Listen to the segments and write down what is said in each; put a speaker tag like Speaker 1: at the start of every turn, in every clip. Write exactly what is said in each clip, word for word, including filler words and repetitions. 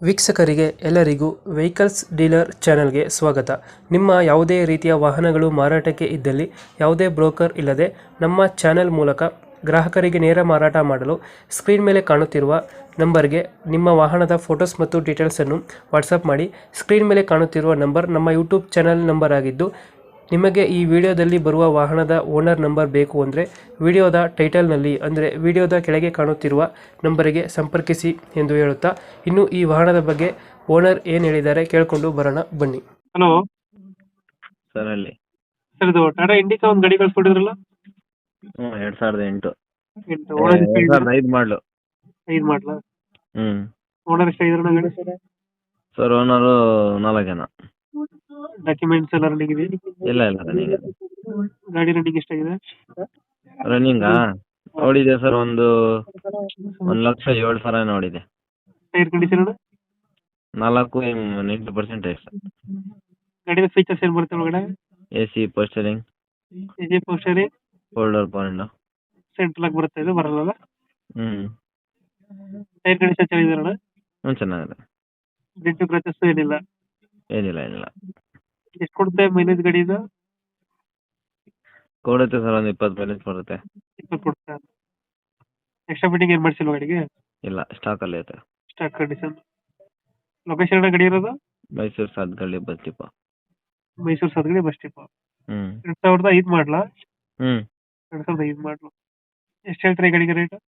Speaker 1: ವೀಕ್ಷಕರಿಗೆ ಎಲ್ಲರಿಗೂ vehicles dealer ಚಾನೆಲ್ಗೆ ಸ್ವಾಗತ. ನಿಮ್ಮ ಯಾವುದೇ ರೀತಿಯ ವಾಹನಗಳು ಮಾರಾಟಕ್ಕೆ ಇದ್ದಲ್ಲಿ ಯಾವುದೇ ಬ್ರೋಕರ್ ಇಲ್ಲದೆ ನಮ್ಮ ಚಾನೆಲ್ ಮೂಲಕ ಗ್ರಾಹಕರಿಗೆ ನೇರ ಮಾರಾಟ ಮಾಡಲು ಸ್ಕ್ರೀನ್ ಮೇಲೆ ಕಾಣುತ್ತಿರುವ ನಂಬರ್ಗೆ ನಿಮ್ಮ ವಾಹನದ ಫೋಟೋಸ್ ಮತ್ತು ಡೀಟೇಲ್ಸನ್ನು ವಾಟ್ಸಪ್ ಮಾಡಿ. ಸ್ಕ್ರೀನ್ ಮೇಲೆ ಕಾಣುತ್ತಿರುವ ನಂಬರ್ ನಮ್ಮ ಯೂಟ್ಯೂಬ್ ಚಾನೆಲ್ ನಂಬರ್ ಆಗಿದ್ದು, ನಿಮಗೆ ಈ ವಿಡಿಯೋದಲ್ಲಿ ಬರುವ ವಾಹನದ ಓನರ್ ನಂಬರ್ ಬೇಕು ಅಂದರೆ ವಿಡಿಯೋದ ಟೈಟಲ್ನಲ್ಲಿ ಅಂದರೆ ವಿಡಿಯೋದ ಕೆಳಗೆ ಕಾಣುತ್ತಿರುವ ನಂಬರಿಗೆ ಸಂಪರ್ಕಿಸಿ ಎಂದು ಹೇಳುತ್ತಾ, ಇನ್ನು ಈ ವಾಹನದ ಬಗ್ಗೆ ಓನರ್ ಏನು ಹೇಳಿದ್ದಾರೆ ಕೇಳಿಕೊಂಡು ಬರೋಣ ಬನ್ನಿ. ಹಲೋ
Speaker 2: ಸರ್ ಅಲ್ಲಿ
Speaker 1: ಸರ್, ಇದು ಟಾಟಾ ಇಂಡಿಕಾ ಒಂದು ಗಾಡಿ ಕಳ್ಸ್ಕೊಟ್ಟಿದ್ರಲ್ಲ,
Speaker 2: ಹ್ಞೂ ಎರಡು ಸಾವಿರದ ಎಂಟು
Speaker 1: ಎಂಟು
Speaker 2: ಎರಡು
Speaker 1: ಓನರ್
Speaker 2: ಸಾವಿರದ ಐದು ಮಾಡಲು.
Speaker 1: ಐದು ಮಾಡಲ
Speaker 2: ಹ್ಞೂ
Speaker 1: ಓನರ್ ಎಷ್ಟಾಗಿದ್ರು ಗಾಡಿ?
Speaker 2: ಸರ್ ಓನರು ನಾಲ್ಕು ಜನ.
Speaker 1: ಡಾಕ್ಯುಮೆಂಟ್ಸ್ ಎಲ್ಲ ರನ್ನಿಂಗ್ ಇದೆ?
Speaker 2: ಇಲ್ಲ ಇಲ್ಲ ರನ್ನಿಂಗ್
Speaker 1: ಗಾಡಿ ರನ್ನಿಂಗ್ ಎಷ್ಟಾಗಿದೆ?
Speaker 2: ರನ್ನಿಂಗಾ ನೋಡಿದೆ ಸರ್, ಒಂದು ಒಂದು ಲಕ್ಷ ಏಳು ಸಾವಿರ ನೋಡಿದೆ.
Speaker 1: Tyre condition?
Speaker 2: ನಾಲ್ಕು ಎಂಟು ಪರ್ಸೆಂಟ್ ಇದೆ ಸರ್.
Speaker 1: ಗಾಡಿದ ಫೀಚರ್ಸ್ ಏನು ಬರುತ್ತೆ ಒಳಗಡೆ?
Speaker 2: ಎ ಸಿ ಪೋಸ್ಟರಿಂಗ್,
Speaker 1: ಎಜೆ ಪೋಸ್ಟರಿ,
Speaker 2: ಫೋಲ್ಡರ್ ಪಾಯಿಂಟ್.
Speaker 1: ಸೆಂಟ್ರಲ್ ಆಗಿ ಬರುತ್ತೆ, ಇದು ಬರಲ್ಲ?
Speaker 2: ಹ್ಞೂ
Speaker 1: ಟೈರ್ ಕಂಡೀಷನ್ ಚೆನ್ನಾಗಿದಾರಣ?
Speaker 2: ಹ್ಞೂ ಚೆನ್ನಾಗಿದೆ.
Speaker 1: ಡೆಂಟು ಕ್ರಾಚಸ್ ಏನಿಲ್ಲ?
Speaker 2: ಏನಿಲ್ಲ ಏನಿಲ್ಲ.
Speaker 1: ಎಷ್ಟು ಕೊಡುತ್ತೆ ಮೈಲೇಜ್ ಗಾಡಿದು?
Speaker 2: ಕೊಡುತ್ತೆ ಸರ್, ಒಂದು ಇಪ್ಪತ್ತು ಮೈಲೇಜ್ ಬರುತ್ತೆ.
Speaker 1: ಇಪ್ಪತ್ತು ಕೊಡುತ್ತೆ. ಎಕ್ಸ್ಟ್ರಾ ಫಿಟ್ಟಿಂಗ್ ಏನು ಮಾಡಿಸಿಲ್ವ ಗಾಡಿಗೆ?
Speaker 2: ಇಲ್ಲ, ಸ್ಟಾಕಲ್ಲಿ ಐತೆ.
Speaker 1: Stock condition. ಲೊಕೇಶನ್ ಗಾಡಿ ಇರೋದು?
Speaker 2: Mysore Sathagalli bus depot.
Speaker 1: ಮೈಸೂರು ಸದ್ಗಡಿ ಬಸ್ ಡಿಪೋ.
Speaker 2: ಹ್ಞೂ
Speaker 1: ಎರಡು ಸಾವಿರದ ಐದು ಮಾಡಲ?
Speaker 2: ಹ್ಞೂ
Speaker 1: ಎರಡು ಸಾವಿರದ ಐದು ಮಾಡಲು. ಎಷ್ಟು ಹೇಳ್ತೀರಿ ಈ ಗಾಡಿಗೆ ರೇಟ್?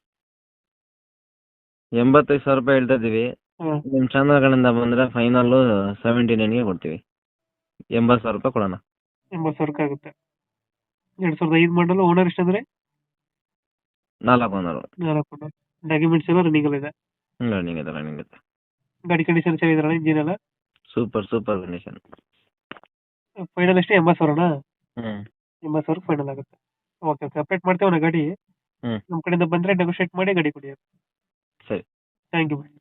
Speaker 2: ಎಂಬತ್ತೈದು ಸಾವಿರ ರೂಪಾಯಿ ಹೇಳ್ತಾ ಇದ್ದೀವಿ.
Speaker 1: ಹಾಂ,
Speaker 2: ನಿಮ್ಮ ಚಾನಲ್ ಕಡೆಯಿಂದ ಬಂದರೆ ಫೈನಲ್ಲು ಸೆವೆಂಟಿ ನೈನ್ಗೆ ಕೊಡ್ತೀವಿ. ಎಂಬತ್ತು ಸಾವಿರ ರೂಪಾಯಿ ಕೊಡೋಣ.
Speaker 1: ಎಂಬತ್ತು ಸಾವಿರಕ್ಕೆ ಆಗುತ್ತೆ. ಎರಡು ಸಾವಿರದ ಐದು ಮಾಡಲು. ಓನರ್ ಎಷ್ಟಂದ್ರೆ?
Speaker 2: ನಾಲ್ಕು ಓನರು.
Speaker 1: ನಾಲ್ಕು ಓನರ್. ಡಾಕ್ಯುಮೆಂಟ್ಸ್ ಎಲ್ಲ ರನ್ನಿಂಗ್ ಎಲ್ಲ ಇದೆ?
Speaker 2: ಹ್ಞೂ ರನ್ನಿಂಗ್ ಇದೆ ರನ್ನಿಂಗ್ ಇದೆ.
Speaker 1: ಗಾಡಿ ಕಂಡೀಷನ್ ಚೆನ್ನಾಗಿದಾರಣ? ಇಂಜಿನ್ ಎಲ್ಲ
Speaker 2: ಸೂಪರ್ ಸೂಪರ್ ಕಂಡೀಷನ್.
Speaker 1: ಫೈನಲ್ ಎಷ್ಟು? ಎಂಬತ್ತು ಸಾವಿರನಾ?
Speaker 2: ಹ್ಞೂ
Speaker 1: ಎಂಬತ್ತು ಸಾವಿರ ಫೈನಲ್ ಆಗುತ್ತೆ. ಓಕೆ ಓಕೆ, ಅಪ್ಡೇಟ್ ಮಾಡ್ತೇವೆ ನಾ ಗಾಡಿ.
Speaker 2: ಹ್ಞೂ
Speaker 1: ನಮ್ಮ ಕಡೆಯಿಂದ ಬಂದರೆ ನೆಗೋಷಿಯೇಟ್ ಮಾಡಿ ಗಾಡಿ ಕೊಡಿ.
Speaker 2: ಸರಿ.
Speaker 1: Thank you.